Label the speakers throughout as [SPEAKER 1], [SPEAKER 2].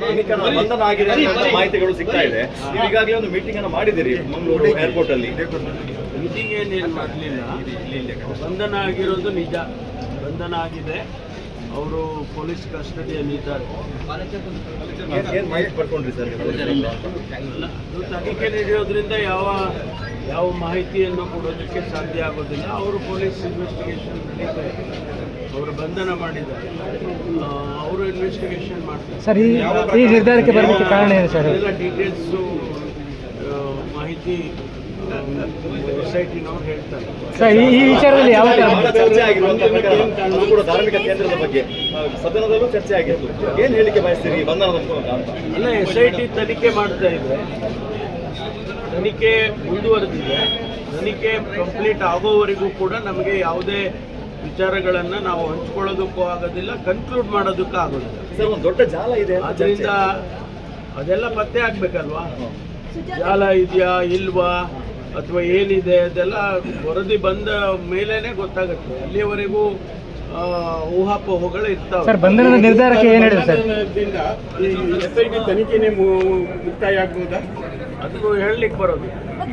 [SPEAKER 1] ಬಂಧನ ಆಗಿದೆ ಅಂತ ಮಾಹಿತಿಗಳು ಸಿಗ್ತಾ ಇದೆ. ಈಗಾಗಲೇ ಒಂದು ಮೀಟಿಂಗ್ ಅನ್ನು ಮಾಡಿದಿರಿ ಮಂಗಳೂರು ಏರ್ಪೋರ್ಟ್ ಅಲ್ಲಿ.
[SPEAKER 2] ಮೀಟಿಂಗ್ ಏನೇನು ಮಾಡಲಿಲ್ಲ, ಬಂಧನ ಆಗಿರೋದು ನಿಜ. ಬಂಧನ ಆಗಿದೆ, ಅವರು ಪೊಲೀಸ್ ಕಸ್ಟಡಿಯಲ್ಲಿದ್ದಾರೆ.
[SPEAKER 1] ಏನು ಮಾಹಿತಿ ಪಡ್ಕೊಂಡ್ರಿ ಸರ್?
[SPEAKER 2] ಅದು ತನಿಖೆ ನಡೆಯೋದ್ರಿಂದ ಯಾವ ಮಾಹಿತಿಯನ್ನು ಕೊಡೋದಕ್ಕೆ ಸಾಧ್ಯ ಆಗೋದಿಲ್ಲ. ಅವರು ಪೊಲೀಸ್ ಇನ್ವೆಸ್ಟಿಗೇಷನ್ ನಡೀತಾ ಇದೆ, ಅವರು ಬಂಧನ ಮಾಡಿದ್ದಾರೆ, ಅವರು ಇನ್ವೆಸ್ಟಿಗೇಷನ್ ಮಾಡ್ತಾರೆ.
[SPEAKER 3] ಸರ್, ಈ ನಿರ್ಧಾರಕ್ಕೆ ಬರಲಿಕ್ಕೆ ಕಾರಣ ಏನು ಸರ್?
[SPEAKER 2] ಎಲ್ಲ ಡೀಟೇಲ್ಸು ಮಾಹಿತಿ ಸೊಸೈಟಿನವ್ರು ಹೇಳ್ತಾರೆ.
[SPEAKER 3] ಸರ್, ಈ ವಿಚಾರದಲ್ಲಿ ಯಾವ
[SPEAKER 1] ಚರ್ಚೆ ಆಗಿರುವಂತಹ ಕೂಡ ಧಾರ್ಮಿಕ ಕೇಂದ್ರದ ಬಗ್ಗೆ ಸದನದಲ್ಲೂ ಚರ್ಚೆ ಆಗಿತ್ತು. ಏನು ಹೇಳಿಕೆ ಬಯಸ್ತೀರಿ ಬಂಧನದ ಮೂಲಕ ಅಂತ?
[SPEAKER 2] ಅಲ್ಲ, SIT ತನಿಖೆ ಮಾಡ್ತಾ ಇದೆ, ತನಿಖೆ ಮುಂದುವರೆದಿದೆ. ತನಿಖೆ ಕಂಪ್ಲೀಟ್ ಆಗೋವರೆಗೂ ಕೂಡ ನಮಗೆ ಯಾವುದೇ ವಿಚಾರಗಳನ್ನು ನಾವು ಹಂಚ್ಕೊಳ್ಳೋದಕ್ಕೂ ಆಗೋದಿಲ್ಲ, ಕನ್ಕ್ಲೂಡ್ ಮಾಡೋದಕ್ಕೂ ಆಗೋದಿಲ್ಲ.
[SPEAKER 1] ಸರ್, ಒಂದು ದೊಡ್ಡ ಜಾಲ ಇದೆ,
[SPEAKER 2] ಅದರಿಂದ ಅದೆಲ್ಲ ಪತ್ತೆ ಆಗ್ಬೇಕಲ್ವಾ? ಜಾಲ ಇದೆಯಾ ಇಲ್ವಾ ಅಥವಾ ಏನಿದೆ ಅದೆಲ್ಲ ವರದಿ ಬಂದ ಮೇಲೇನೆ ಗೊತ್ತಾಗುತ್ತೆ. ಅಲ್ಲಿಯವರೆಗೂ ಊಹಾಪೋಹಗಳು ಇರ್ತಾವೆ.
[SPEAKER 3] ಸರ್, ಬಂಧನದ ನಿರ್ಧಾರಕ್ಕೆ ಏನು ಹೇಳಿದೆ ಸರ್?
[SPEAKER 2] SIT ತನಿಖೆನೇ ಮುಕ್ತಾಯ ಆಗ್ಬೋದಾ? ಅದನ್ನು ಹೇಳಲಿಕ್ಕೆ ಬರೋದು.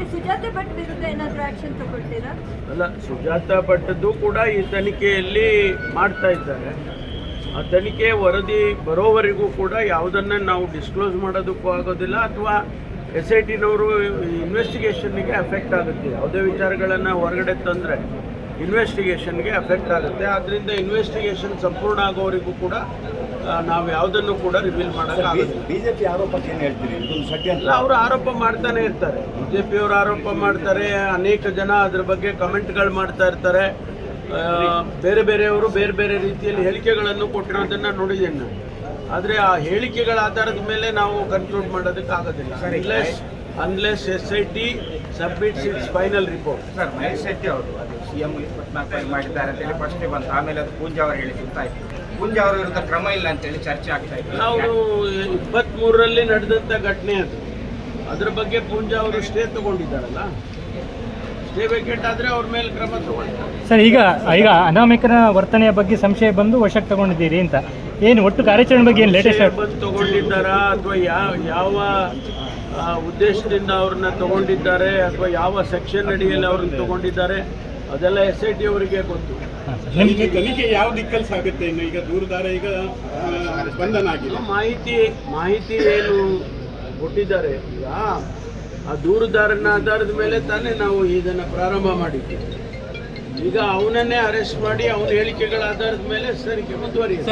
[SPEAKER 2] ಅಲ್ಲ, ಸುಜಾತ ಭಟ್ಟದ್ದು ಕೂಡ ಈ ತನಿಖೆಯಲ್ಲಿ ಮಾಡ್ತಾ ಇದ್ದಾರೆ. ಆ ತನಿಖೆ ವರದಿ ಬರೋವರೆಗೂ ಕೂಡ ಯಾವುದನ್ನು ನಾವು ಡಿಸ್ಕ್ಲೋಸ್ ಮಾಡೋದಕ್ಕೂ ಆಗೋದಿಲ್ಲ, ಅಥವಾ SITನವರು ಇನ್ವೆಸ್ಟಿಗೇಷನ್ಗೆ ಎಫೆಕ್ಟ್ ಆಗುತ್ತೆ. ಯಾವುದೇ ವಿಚಾರಗಳನ್ನು ಹೊರಗಡೆ ತಂದರೆ ಇನ್ವೆಸ್ಟಿಗೇಷನ್ಗೆ ಎಫೆಕ್ಟ್ ಆಗುತ್ತೆ. ಆದ್ದರಿಂದ ಇನ್ವೆಸ್ಟಿಗೇಷನ್ ಸಂಪೂರ್ಣ ಆಗೋವರೆಗೂ ಕೂಡ ನಾವು ಯಾವುದನ್ನು ಕೂಡ ರಿವೀಲ್ ಮಾಡೋಕ್ಕಾಗೋದಿಲ್ಲ.
[SPEAKER 1] ಬಿಜೆಪಿ ಆರೋಪಕ್ಕೆ ಏನು ಹೇಳ್ತೀರಿ? ಇದೊಂದು ಷಡ್ಯಂತ್ರ.
[SPEAKER 2] ಅವರು ಆರೋಪ ಮಾಡ್ತಾನೆ ಇರ್ತಾರೆ, BJPಯವರು ಆರೋಪ ಮಾಡ್ತಾರೆ, ಅನೇಕ ಜನ ಅದ್ರ ಬಗ್ಗೆ ಕಮೆಂಟ್ಗಳು ಮಾಡ್ತಾ ಇರ್ತಾರೆ. ಬೇರೆ ಬೇರೆಯವರು ಬೇರೆ ಬೇರೆ ರೀತಿಯಲ್ಲಿ ಹೇಳಿಕೆಗಳನ್ನು ಕೊಟ್ಟಿರೋದನ್ನು ನೋಡಿದ್ದೇನೆ ನಾನು. ಆದರೆ ಆ ಹೇಳಿಕೆಗಳ ಆಧಾರದ ಮೇಲೆ ನಾವು ಕನ್ಕ್ಲೂಡ್ ಮಾಡೋದಕ್ಕೆ ಆಗೋದಿಲ್ಲ, unless SIT submits its final report.
[SPEAKER 4] Sir, Mahesh Shetty ಅವರು ಅದು CM 24 ಮಾಡಿದ್ದಾರೆ ಅಂತೇಳಿ ಫಸ್ಟ್ ಬಂತು, ಆಮೇಲೆ ಅದು ಪೂಂಜಾ ಅವರು ಹೇಳಿ ಗೊತ್ತಾಯಿತು. ಪೂಂಜಾ ಅವರ ವಿರುದ್ಧ ಕ್ರಮ ಇಲ್ಲ ಅಂತೇಳಿ ಚರ್ಚೆ ಆಗ್ತಾ ಇತ್ತು.
[SPEAKER 2] ನಾವು 23ರಲ್ಲಿ ನಡೆದಂಥ ಘಟನೆ ಅದು. ಅದ್ರ ಬಗ್ಗೆ ಪೂಂಜಾ ಅವರು ಸ್ಟೇ ತಗೊಂಡಿದ್ದಾರಲ್ಲ, ಸ್ಟೇ ವೇಕೆಟ್ ಆದರೆ ಅವ್ರ ಮೇಲೆ ಕ್ರಮ ತಗೊಳ್ತಾರೆ.
[SPEAKER 3] ಸರ್, ಈಗ ಅನಾಮಿಕನ ವರ್ತನೆಯ ಬಗ್ಗೆ ಸಂಶಯ ಬಂದು ವಶಕ್ಕೆ ತಗೊಂಡಿದ್ದೀರಿ ಅಂತ, ಏನು ಒಟ್ಟು ಕಾರ್ಯಾಚರಣೆ ಬಗ್ಗೆ ಏನು ಲೇಟೆಸ್ಟ್
[SPEAKER 2] ಬಂದು ತಗೊಂಡಿದ್ದಾರಾ ಅಥವಾ ಯಾವ ಉದ್ದೇಶದಿಂದ ಅವ್ರನ್ನ ತಗೊಂಡಿದ್ದಾರೆ ಅಥವಾ ಯಾವ ಸೆಕ್ಷನ್ ಅಡಿಯಲ್ಲಿ ಅವ್ರನ್ನ ತಗೊಂಡಿದ್ದಾರೆ ಅದೆಲ್ಲ SIT ಅವರಿಗೆ ಗೊತ್ತು.
[SPEAKER 5] ತನಿಖೆ ಯಾವ ದಿಕ್ಕಲ್ಲಿ ಸಾಗುತ್ತೆ? ಇನ್ನು ಈಗ ದೂರದಾರ ಈಗ ಬಂಧನ ಆಗಿದೆ,
[SPEAKER 2] ಮಾಹಿತಿ ಏನು ಕೊಟ್ಟಿದ್ದಾರೆ, ಈಗ ಆ ದೂರುದಾರನ ಆಧಾರದ ಮೇಲೆ ತಾನೇ ನಾವು ಇದನ್ನು ಪ್ರಾರಂಭ ಮಾಡಿದ್ದೀವಿ. ಈಗ ಅವನನ್ನೇ ಅರೆಸ್ಟ್ ಮಾಡಿ ಅವನ ಹೇಳಿಕೆಗಳ ಆಧಾರದ ಮೇಲೆ ತನಿಖೆ ಮುಂದುವರಿಯುತ್ತೆ.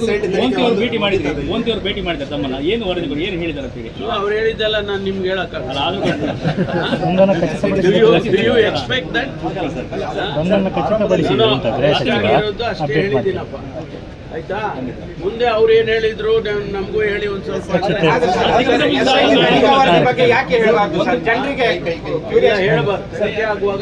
[SPEAKER 6] ಭೇಟಿ ಮಾಡಿದ್ದಾರೆ ತಮ್ಮನ್ನ, ಏನು ವರದಿಗಳು ಏನು ಹೇಳಿದ್ದಾರೆ ಅಂತೇಳಿ
[SPEAKER 2] ಅವ್ರು ಹೇಳಿದ್ದೆಲ್ಲ ನಾನು ನಿಮ್ಗೆ ಹೇಳಕ್ಕಾಗಲ್ಲ. ಎಕ್ಸ್ಪೆಕ್ಟ್ ದಟ್ ಅಷ್ಟೇ ಹೇಳಿದ್ದೀನಪ್ಪ, ಆಯ್ತಾ? ಮುಂದೆ ಅವ್ರು ಏನು ಹೇಳಿದ್ರು ನಮಗೂ ಹೇಳಿ ಒಂದು ಸ್ವಲ್ಪ ಹೇಳಬಾರ್ದು. ಸತ್ಯ ಆಗುವಾಗ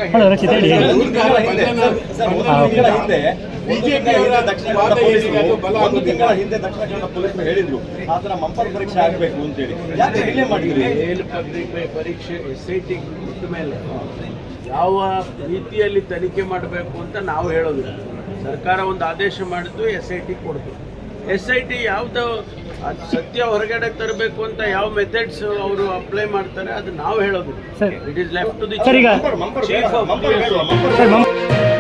[SPEAKER 1] ಹಿಂದೆ ದಕ್ಷಿಣ ಕನ್ನಡ ಪೊಲೀಸರು ಹೇಳಿದ್ರು ಆತರ ಮಂಪರ್ ಪರೀಕ್ಷೆ ಆಗಬೇಕು ಅಂತೇಳಿ. ಯಾಕೆ ಡಿಲೇ ಮಾಡಿದ್ರಿ?
[SPEAKER 2] ಪರೀಕ್ಷೆ SIT ಮುಟ್ಟ ಮೇಲೆ ಯಾವ ರೀತಿಯಲ್ಲಿ ತನಿಖೆ ಮಾಡಬೇಕು ಅಂತ ನಾವು ಹೇಳೋದಿಲ್ಲ. ಸರ್ಕಾರ ಒಂದು ಆದೇಶ ಮಾಡಿದ್ದು, SIT ಕೊಡ್ತು. SIT ಯಾವ್ದು ಸತ್ಯ ಹೊರಗಡೆ ತರಬೇಕು ಅಂತ ಯಾವ ಮೆಥಡ್ಸ್ ಅವರು ಅಪ್ಲೈ ಮಾಡ್ತಾರೆ ಅದು ನಾವು ಹೇಳೋದು. It is left to the chief of